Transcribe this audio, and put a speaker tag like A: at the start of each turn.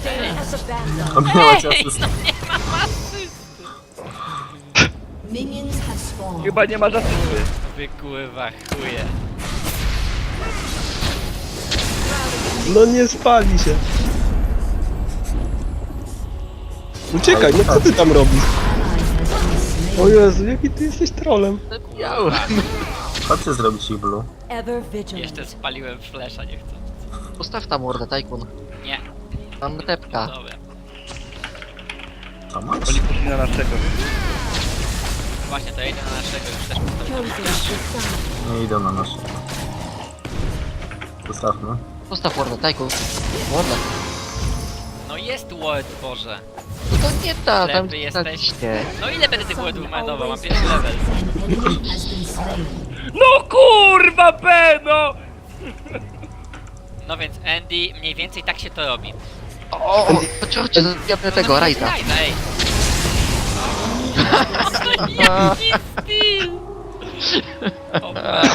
A: Obiła cię asystę.
B: Chyba nie ma zasady.
C: Wykływa chuje.
D: No nie spali się. Uciekaj, no co ty tam robisz? O Jezu, jaki ty jesteś trolem.
A: Chodźcie zrobić ich blue.
C: Jeszcze spaliłem flesza, nie chcę.
E: Postaw tam mordę, Tajkun.
C: Nie,
E: Tam tepka.
C: dobra.
A: Co masz?
B: Oni poszli na naszego.
C: Właśnie to jedzie na naszego, już też postawiłem.
A: Nie idą na nasze. Zostawmy.
E: Postaw mordę, Tajkun. Mordę.
C: No jest word, Boże.
E: No to nie ta, tam
C: Ślepy jesteś?
E: Nie.
C: No ile będę tych wordów manował? Mam pierwszy level.
B: No kurwa, Beno!
C: No więc Andy, mniej więcej tak się to robi.
E: O, chodźcie, zabijamy tego, Rajza.
C: Rajza, ej! Jaki styl! O,